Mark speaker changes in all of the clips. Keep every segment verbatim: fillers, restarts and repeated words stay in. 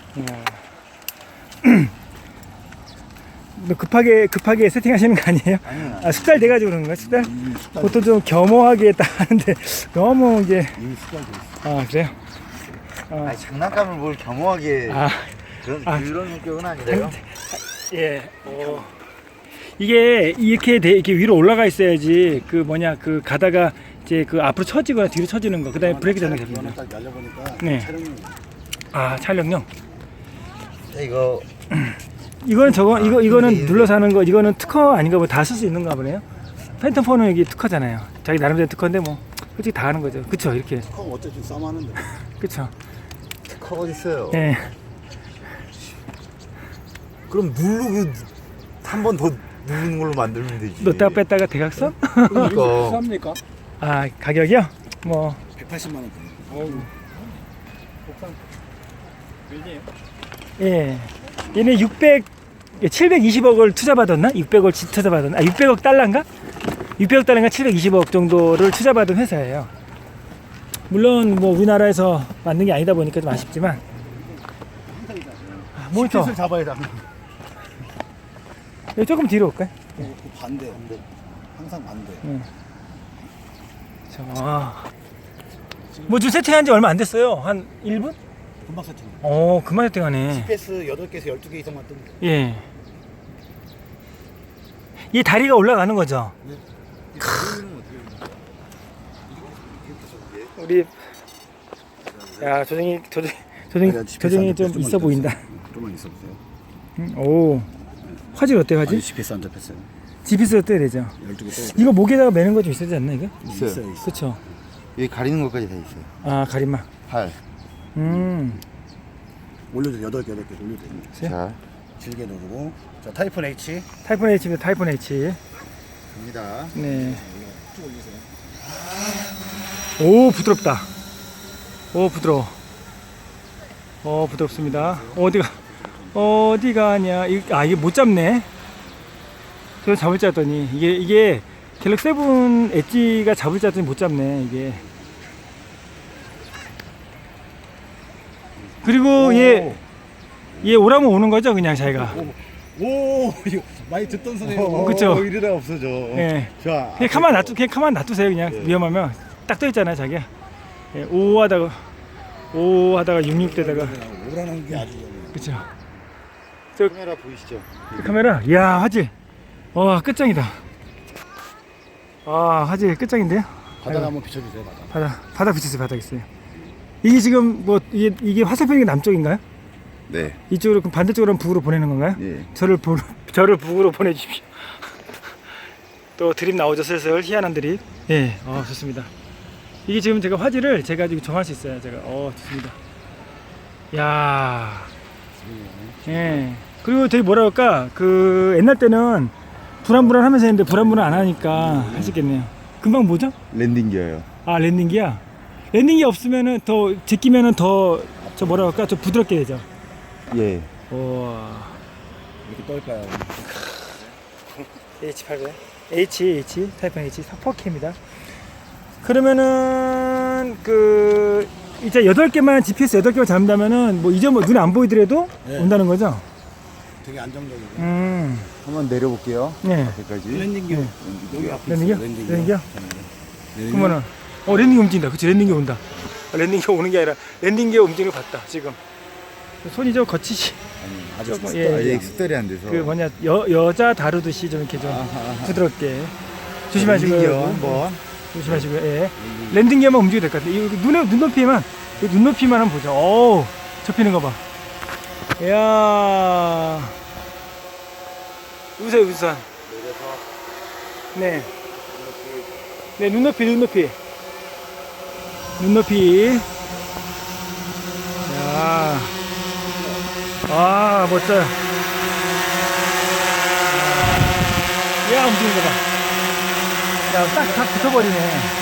Speaker 1: 너 급하게 급하게 세팅하시는 거 아니에요?
Speaker 2: 아니요.
Speaker 1: 아, 숙달 돼가지고 그런 거야? 숙달?
Speaker 2: 음, 숙달.
Speaker 1: 보통 좀 겸허하게 딱 하는데 너무 이게
Speaker 2: 이미 숙달돼 있어.
Speaker 1: 아 그래요? 아,
Speaker 2: 아니 장난감을 뭘 겸허하게
Speaker 1: 아
Speaker 2: 그런
Speaker 1: 아.
Speaker 2: 그런 성격은 아니래요.
Speaker 1: 예. 어. 이게 이렇게 돼, 이렇게 위로 올라가 있어야지 그 뭐냐 그 가다가 이제 그 앞으로 처지거나 뒤로 처지는 거. 그다음에 브레이크 잡는 게 됩니다.
Speaker 3: 딱 날려보니까
Speaker 1: 네.
Speaker 3: 촬영이
Speaker 1: 아 촬영용.
Speaker 2: 이거
Speaker 1: 이거는 저거
Speaker 2: 아,
Speaker 1: 이거 이거는
Speaker 2: 근데
Speaker 1: 눌러서 하는 거. 이거는 특허 아닌가 뭐 다 쓸 수 있는가 보네요. 팬텀 폰은 여기 특허잖아요. 자기 나름대로 특허인데 뭐 솔직히 다 하는 거죠. 그쵸 이렇게.
Speaker 3: 컵 어쨌든 싸움하는데
Speaker 1: 그쵸.
Speaker 2: 커 어디 있어요?
Speaker 1: 예.
Speaker 2: 그럼 누르고 한 번 더 누르는 걸로 만들면 되지.
Speaker 1: 넣다가 뺐다가 대각선?
Speaker 2: 그러니까
Speaker 3: 쌉니까?
Speaker 1: 아 가격이요? 뭐
Speaker 3: 백팔십만 원.
Speaker 1: 어우. 예. 얘네 육백, 칠백이십억을 투자받았나? 육백억을 투자받았나? 아, 육백억 달러인가? 육백억 달러인가 칠백이십억 정도를 투자받은 회사예요. 물론 뭐 우리나라에서 만든 게 아니다 보니까 좀 아쉽지만. 아, 모니터.
Speaker 3: 을 잡아야 돼.
Speaker 1: 여기 조금 뒤로 올까요?
Speaker 3: 그 반대. 항상 반대.
Speaker 1: 자, 아. 뭐 지금 세팅한 지 얼마 안 됐어요. 한 일 분?
Speaker 3: 금방 세팅.
Speaker 1: 어, 금방 세팅하네.
Speaker 3: 지피에스 여덟 개에서 열두 개 이상만 뜨면 돼.
Speaker 1: 예. 이 다리가 올라가는 거죠? 우리 야 조정이 조정 조정 조정이 좀 있어 보인다.
Speaker 3: 좀만 있어 보세요.
Speaker 1: 음, 오 화질 어때 화질?
Speaker 3: 아니 지피에스 안 잡혔어요.
Speaker 1: 지피스가 떠야 되죠.
Speaker 3: 열두 개 떠.
Speaker 1: 이거 목에다가 매는 거 좀 있어야 되지 않나 이거?
Speaker 2: 있어요.
Speaker 3: 있어요, 있어.
Speaker 1: 그쵸?
Speaker 2: 여기 가리는 것까지 다 있어요.
Speaker 1: 아 가림막.
Speaker 2: 팔.
Speaker 1: 음.
Speaker 3: 올려줘. 여덟 개, 여덟 개 올려줘.
Speaker 1: 네?
Speaker 2: 자,
Speaker 3: 길게 누르고. 자, 타이푼 H.
Speaker 1: 타이푼 H입니다. 타이푼 H.
Speaker 3: 갑니다.
Speaker 1: 네.
Speaker 3: 쭉 올리세요.
Speaker 1: 오 부드럽다. 오 부드러워. 어 부드럽습니다. 어디가 어디 가냐? 이- 아 이게 못 잡네. 저 잡을 줄 알았더니 이게 이게 갤럭시 세븐 엣지가 잡을 줄 알았더니 못 잡네 이게. 그리고 얘 얘 오라면 오는 거죠 그냥 자기가.
Speaker 3: 오, 이거 많이 듣던 소리예요.
Speaker 1: 그쵸?
Speaker 2: 어, 이러다 없어져.
Speaker 1: 예.
Speaker 3: 자,
Speaker 1: 그냥 가만 놔두 그냥 가만 놔두세요 그냥.
Speaker 3: 예.
Speaker 1: 위험하면 딱 떠 있잖아요 자기가. 예, 오 하다가 오 하다가 육육 되다가
Speaker 3: 오라는 게 아주 위험해요.
Speaker 1: 그쵸.
Speaker 2: 카메라 보이시죠?
Speaker 1: 그 카메라, 이야 화질, 와 끝장이다. 아 화질 끝장인데요.
Speaker 3: 바닥 한번 비춰주세요, 바닥.
Speaker 1: 바닥, 바닥 비치세요, 바닥 있어요. 이게 지금 뭐 이게 이게 화살표가 남쪽인가요?
Speaker 2: 네.
Speaker 1: 이쪽으로 그럼 반대쪽으로 북으로 보내는 건가요?
Speaker 2: 예.
Speaker 1: 저를 보, 저를 북으로 보내주십시오. 또 드립 나오죠, 슬슬 희한한 드립. 예, 어 좋습니다. 이게 지금 제가 화질을 제가 지금 정할 수 있어요, 제가. 어 좋습니다. 야, 예. 그리고 되게 뭐라 그럴까 그 옛날 때는 불안불안하면서 했는데 불안불안 안 하니까 하시겠네요. 금방 뭐죠?
Speaker 2: 랜딩 기어요.
Speaker 1: 아 랜딩기야. 랜딩기 없으면은 더 제끼면은 더 저 뭐라 그럴까 좀 부드럽게 되죠.
Speaker 2: 예.
Speaker 1: 와.
Speaker 3: 이렇게 떨까요?
Speaker 1: 에이치 팔백 H H 타이푼 H 사 케입니다. 그러면은 그 이제 여덟 개만 지피에스 여덟 개만 잡는다면은 뭐 이제 뭐 눈에 안 보이더라도
Speaker 3: 네.
Speaker 1: 온다는 거죠.
Speaker 3: 되게 안정적이고.
Speaker 1: 음.
Speaker 2: 한번 내려볼게요.
Speaker 1: 네.
Speaker 2: 앞에까지.
Speaker 3: 랜딩 기어. 여기 앞에
Speaker 1: 랜딩 기어?
Speaker 3: 있어요, 랜딩
Speaker 1: 랜딩 기어?
Speaker 3: 네.
Speaker 1: 그러면은 어 랜딩기 움직인다. 그치 랜딩기 온다. 아, 랜딩기 오는 게 아니라 랜딩기가 움직이는 걸 봤다 지금. 손이 좀 거치시.
Speaker 3: 아니, 아직
Speaker 1: 조금,
Speaker 3: 숙달-
Speaker 1: 예,
Speaker 2: 아직
Speaker 1: 예.
Speaker 2: 숙달이 안 돼서.
Speaker 1: 그 뭐냐 여 여자 다루듯이 좀 이렇게 좀 부드럽게 조심하시고요.
Speaker 2: 랜딩 기어 한번.
Speaker 1: 조심하시고요. 예. 랜딩 기어만 움직여도 될 것 같아요. 이 눈에 눈높이만 이 눈높이만 한번 보죠. 오, 접히는 거 봐. 이야. 우선 우선. 네. 네 눈높이 눈높이. 눈높이. 야. 아 멋져요. 야 움직이는 거 봐. 야, 딱, 딱 붙어버리네.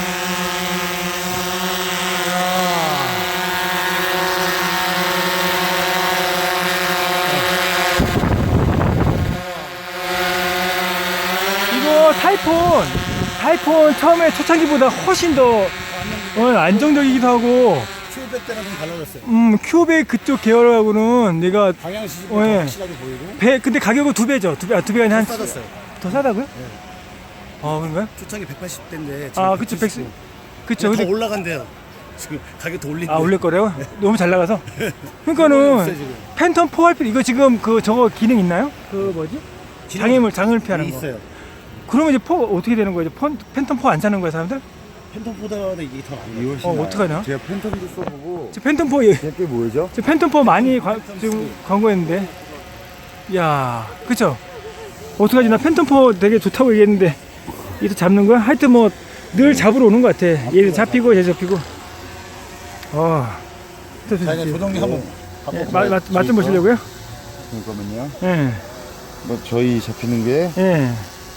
Speaker 1: 이거 타이푼, 타이푼 처음에 초창기보다 훨씬 더 어, 안정적이기도 하고,
Speaker 3: 큐백 때랑 좀 달라졌어요.
Speaker 1: 음, 큐백 그쪽 계열하고는 얘가
Speaker 3: 방향 시즌이
Speaker 1: 어, 예.
Speaker 3: 확실하게 보이고.
Speaker 1: 배 근데 가격은 두 배죠. 두 배, 아, 두 배가 아니라 한
Speaker 3: 싸졌어요.
Speaker 1: 더 싸다고요?
Speaker 3: 네.
Speaker 1: 아, 그런가요?
Speaker 3: 초창기 백팔십 대인데
Speaker 1: 아, 그쵸, 백스. 그쵸.
Speaker 3: 더
Speaker 1: 근데
Speaker 3: 올라간대요. 지금 가격 더 올린대.
Speaker 1: 아, 올릴 거래요? 너무 잘 나가서.
Speaker 3: 없어요,
Speaker 1: 그러니까는
Speaker 3: 지금.
Speaker 1: 팬텀 포 할 필요 이거 지금 그 저거 기능 있나요? 그 뭐지? 장애물 장을 피하는 거.
Speaker 3: 있어요.
Speaker 1: 그러면 이제 포 어떻게 되는 거예요? 폰, 팬텀 포 안 사는 거야, 사람들?
Speaker 3: 팬텀보다 이게 더 나은
Speaker 2: 이
Speaker 3: 거예요.
Speaker 2: 훨씬
Speaker 1: 어,
Speaker 2: 나아요.
Speaker 1: 어떡하냐?
Speaker 2: 제가 팬텀도 써보고
Speaker 1: 저 팬텀 포 예.
Speaker 2: 이게 뭐죠?
Speaker 1: 저 팬텀 포 많이 관, 지금 광고했는데. 야, 그쵸? 어떡하지? 나 팬텀 포 되게 좋다고 얘기했는데 이도 잡는 거야? 하여튼 뭐 늘 잡으러 오는 것 같아. 얘도 잡히고 얘 잡히고. 어.
Speaker 3: 자, 이제 조정기 한번
Speaker 1: 예,
Speaker 3: 바꿔볼까요?
Speaker 1: 맛, 맛 좀 보시려고요?
Speaker 2: 잠깐만요.
Speaker 1: 예.
Speaker 2: 뭐 저희 잡히는 게
Speaker 1: 예.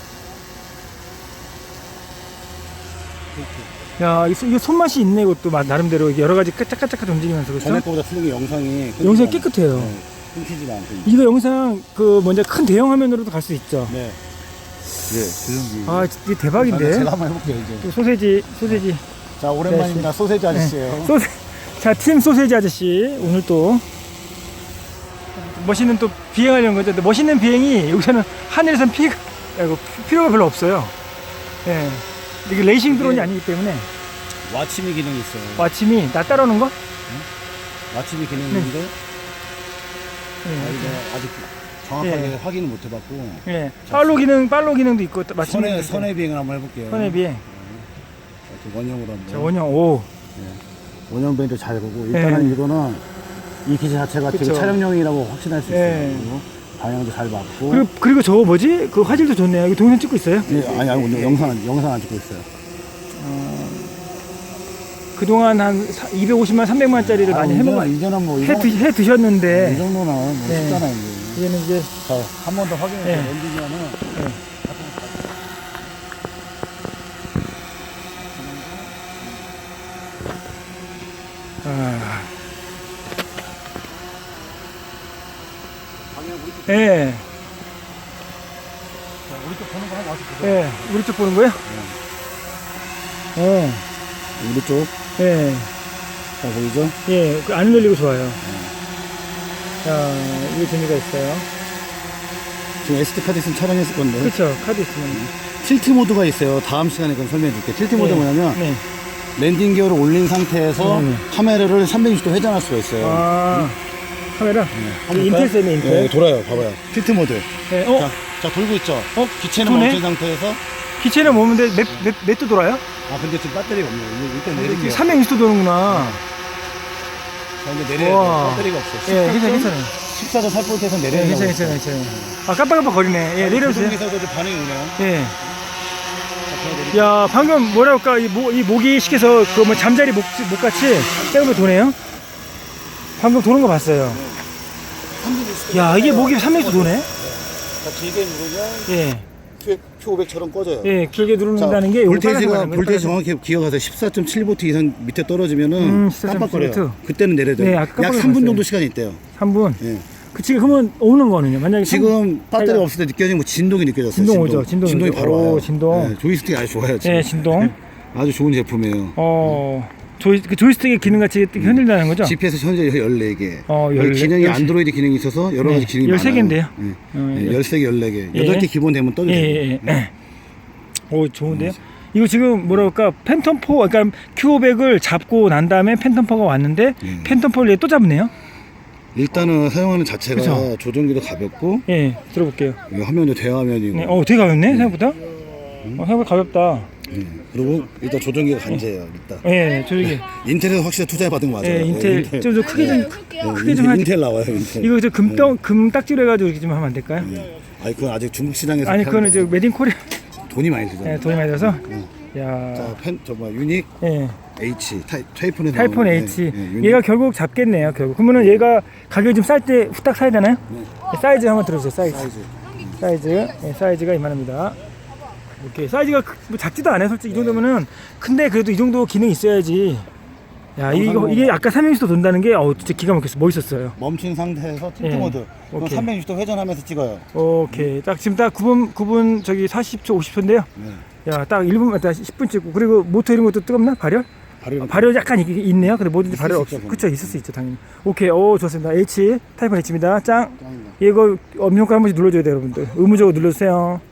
Speaker 1: 야, 이 손- 이게 손맛이 있네, 이것도. 마- 나름대로 이게 여러 가지 까짝까짝 움직이면서, 그렇죠?
Speaker 3: 전에 거보다 틀린 게 영상이
Speaker 1: 영상이
Speaker 3: 끊기지
Speaker 1: 깨끗해요.
Speaker 3: 않- 네, 끊기지가 않고.
Speaker 1: 이거 영상, 그, 먼저 큰 대형 화면으로도 갈 수 있죠.
Speaker 3: 네.
Speaker 2: 예, 조정기.
Speaker 1: 아, 이게 대박인데.
Speaker 3: 제가 한번 해볼게요 이제.
Speaker 1: 또 소세지, 소세지.
Speaker 3: 자, 오랜만입니다. 소세지 아저씨예요.
Speaker 1: 소세, 자, 팀 소세지 아저씨. 오늘 또 멋있는 또 비행하려는 거죠. 근데 멋있는 비행이 여기서는 하늘에선 피, 아이고, 필요가 별로 없어요. 예. 이게 레이싱 드론이
Speaker 3: 이게-
Speaker 1: 아니기 때문에.
Speaker 3: 와치미 기능이 있어요.
Speaker 1: 마침이 나 따라오는 거?
Speaker 3: 와치미 기능이 있는데
Speaker 1: 예.
Speaker 3: 아, 이거 아직 정확하게
Speaker 1: 예.
Speaker 3: 확인을 못 해봤고
Speaker 1: 예. 팔로 기능, 팔로 기능도 있고, 마침.
Speaker 3: 선의 선의 비행을 한번 해볼게요.
Speaker 1: 선에 비해.
Speaker 3: 이렇게 원형으로 한번.
Speaker 1: 자, 원형, 오.
Speaker 3: 원형 비행도 잘 보고 일단은
Speaker 1: 예.
Speaker 3: 이거는 이 기체 자체가
Speaker 1: 그쵸.
Speaker 3: 되게 촬영용이라고 확신할 수 있어요.
Speaker 1: 예.
Speaker 3: 그리고 방향도 잘 맞고.
Speaker 1: 그리고, 그리고 저거 뭐지? 그 화질도 좋네요. 이거 동영상 찍고 있어요?
Speaker 3: 예, 아니 아니 오늘 영상 안- 영상 안 찍고 있어요.
Speaker 1: 그동안 한 이백오십만, 삼백만짜리를 많이 해먹,
Speaker 3: 이제는, 이제는 뭐이
Speaker 1: 해, 드, 해 드셨는데,
Speaker 3: 정도는 뭐
Speaker 1: 네.
Speaker 3: 쉽잖아요. 이제.
Speaker 1: 이제는 이제,
Speaker 3: 자, 한 번 더 확인해서
Speaker 1: 예.
Speaker 3: 랜딩하면은
Speaker 1: 아. 예,
Speaker 3: 우리 쪽 보는 거 한번 와서 보세요.
Speaker 1: 예. 우리 쪽 보는 거예요? 어,
Speaker 3: 우리 쪽.
Speaker 1: 예,
Speaker 3: 자, 보이죠?
Speaker 1: 예. 그 안 눌리고 좋아요. 자, 이게 재미가 있어요.
Speaker 3: 지금 에스디 카드 있으면 촬영했을 건데.
Speaker 1: 그쵸, 카드 있으면.
Speaker 3: 틸트 모드가 있어요. 다음 시간에 그럼 설명해 줄게요. 틸트 모드
Speaker 1: 네.
Speaker 3: 뭐냐면
Speaker 1: 네.
Speaker 3: 랜딩 기어를 올린 상태에서
Speaker 1: 음.
Speaker 3: 카메라를 삼백육십 도 회전할 수가 있어요.
Speaker 1: 아, 카메라?
Speaker 3: 한번
Speaker 1: 이게
Speaker 3: 볼까요?
Speaker 1: 인텔 쌤이 인텔.
Speaker 3: 네, 돌아요. 봐봐요. 틸트 모드.
Speaker 1: 네. 어,
Speaker 3: 자, 자, 돌고 있죠?
Speaker 1: 어,
Speaker 3: 기체는
Speaker 1: 도네?
Speaker 3: 멈춘 상태에서.
Speaker 1: 기체는 뭐는데 몇, 몇, 몇도 돌아요?
Speaker 3: 아, 근데 지금 배터리가 없네요. 일단 내릴게요.
Speaker 1: 삼백육십 도 도는구나.
Speaker 3: 자, 이제 내려야
Speaker 1: 우와.
Speaker 3: 돼요. 배터리가 없어.
Speaker 1: 예, 괜찮아요, 괜찮아요.
Speaker 3: 십사 점 팔 볼트에서
Speaker 1: 예,
Speaker 3: 내려야
Speaker 1: 괜찮아요, 괜찮아요, 괜찮아요. 아, 깜빡깜빡 거리네. 예, 내려주세요.
Speaker 3: 조종기사도 좀 반응이 오네요.
Speaker 1: 예.
Speaker 3: 자, 제가 내릴게요.
Speaker 1: 야, 방금 뭐랄까, 이, 모, 이 모기 시켜서 그 뭐 잠자리 목, 목같이 짱으로 도네요? 방금 도는 거 봤어요. 야, 이게 목이 삼백육십 도 도네?
Speaker 3: 자, 길게 누르면
Speaker 1: 예.
Speaker 3: 큐 오백처럼 꺼져요.
Speaker 1: 예, 길게
Speaker 3: 자,
Speaker 1: 누르는다는 게 요거 빨간색
Speaker 3: 볼테이지가
Speaker 1: 말하는 거예요,
Speaker 3: 볼테이지
Speaker 1: 빨간색.
Speaker 3: 정확히 기억하세요. 십사 점 칠 볼트 이상 밑에 떨어지면은
Speaker 1: 음, 십사 점 칠
Speaker 3: 깜빡거려요.
Speaker 1: 볼트.
Speaker 3: 그때는 내려야 돼요.
Speaker 1: 네,
Speaker 3: 약
Speaker 1: 아까 깜빡
Speaker 3: 삼 분
Speaker 1: 놀랐어요.
Speaker 3: 정도 시간이 있대요.
Speaker 1: 삼 분.
Speaker 3: 예.
Speaker 1: 그 지금 그러면 오는 거는요? 만약에
Speaker 3: 지금 배터리가
Speaker 1: 자기가-
Speaker 3: 없을 때 느껴지는 뭐 진동이 느껴졌어요.
Speaker 1: 진동 오죠, 진동이
Speaker 3: 진동이
Speaker 1: 오죠.
Speaker 3: 바로
Speaker 1: 오,
Speaker 3: 와요.
Speaker 1: 진동.
Speaker 3: 네, 조이스틱이 아주 좋아요. 지금.
Speaker 1: 예, 진동.
Speaker 3: 아주 좋은 제품이에요.
Speaker 1: 어, 조이, 그 조이스틱의 기능 같이 흔들다는 거죠?
Speaker 3: 지피에스 현재 열네 개.
Speaker 1: 어,
Speaker 3: 여기
Speaker 1: 열네-
Speaker 3: 기능이
Speaker 1: 열세-
Speaker 3: 안드로이드 기능이 있어서 여러
Speaker 1: 네,
Speaker 3: 가지 기능이
Speaker 1: 열세 개인데요.
Speaker 3: 많아요.
Speaker 1: 어,
Speaker 3: 네.
Speaker 1: 열-
Speaker 3: 열세 개, 열네 개.
Speaker 1: 예.
Speaker 3: 여덟 개 기본 되면 떠주죠.
Speaker 1: 예, 예, 예. 오, 좋은데요? 이거 지금 뭐라 그럴까, 팬텀 포, 그러니까 큐 오백을 잡고 난 다음에 팬텀 포가 왔는데,
Speaker 3: 예.
Speaker 1: 팬텀 포를 얘또 잡네요?
Speaker 3: 일단은 사용하는 자체가
Speaker 1: 그쵸?
Speaker 3: 조종기도 가볍고
Speaker 1: 예, 들어볼게요.
Speaker 3: 이 화면도 대화면이고
Speaker 1: 네, 어, 되게 가볍네, 생각보다? 어, 생각보다 가볍다.
Speaker 3: 예. 그리고 일단 조종기가 간제예요. 일단
Speaker 1: 예, 저기,
Speaker 3: 인텔에서 확실히 투자해 받은 거 맞아요.
Speaker 1: 예, 인텔,
Speaker 3: 예,
Speaker 1: 좀, 좀 크게 좀,
Speaker 3: 예,
Speaker 1: 크게 좀
Speaker 3: 인텔,
Speaker 1: 하지.
Speaker 3: 인텔 나와요. 인텔.
Speaker 1: 이거 저 금덩, 금 딱지로 해가지고 이렇게 좀 하면 안 될까요?
Speaker 3: 아니 그건 아직 중국 시장에서
Speaker 1: 아니,
Speaker 3: 파는
Speaker 1: 그거는 저
Speaker 3: 거고.
Speaker 1: 메딘 코리아,
Speaker 3: 돈이 많이 들잖아요.
Speaker 1: 예, 돈이 많이 들어서.
Speaker 3: 자,
Speaker 1: 야,
Speaker 3: 펜, 저뭐 유닉
Speaker 1: 예.
Speaker 3: H 타이, 타이폰에
Speaker 1: 타이폰
Speaker 3: 나오는,
Speaker 1: H.
Speaker 3: 예, 예, 유닉.
Speaker 1: 얘가 결국 잡겠네요, 결국. 그러면은 얘가 가격이 좀 쌀 때 후딱 사야 되나요?
Speaker 3: 네.
Speaker 1: 사이즈 한번 들어주세요, 사이즈.
Speaker 3: 사이즈.
Speaker 1: 사이즈, 예, 사이즈가 이만합니다. 이렇게 사이즈가 크- 뭐 작지도 않아요, 솔직히 이 정도면은. 근데 그래도 이 정도 기능이 있어야지. 야, 이거 이게 아까 삼백육십 도 돈다는 게 어 진짜 기가 막혔어, 멋있었어요.
Speaker 3: 멈춘 상태에서 틸트
Speaker 1: 예.
Speaker 3: 모드. 그럼
Speaker 1: 오케이.
Speaker 3: 삼백육십 도 회전하면서 찍어요.
Speaker 1: 오케이, 딱 지금 딱 구 분 구 분 저기 사십 초 오십 초인데요.
Speaker 3: 네.
Speaker 1: 야, 딱 일 분, 딱 십 분 찍고 그리고 모터 이런 것도 뜨겁나 발열?
Speaker 3: 발효.
Speaker 1: 발효 약간 있, 있네요. 근데 뭐든지
Speaker 3: 있을
Speaker 1: 발효
Speaker 3: 수
Speaker 1: 없,
Speaker 3: 있죠,
Speaker 1: 그쵸, 있을 수 있죠, 당연히. 오케이, 오, 좋습니다. H, 타이푼 H입니다. 짱.
Speaker 3: 짱이다.
Speaker 1: 이거 음료가 한 번씩 눌러줘야 돼요, 여러분들. 의무적으로 눌러주세요.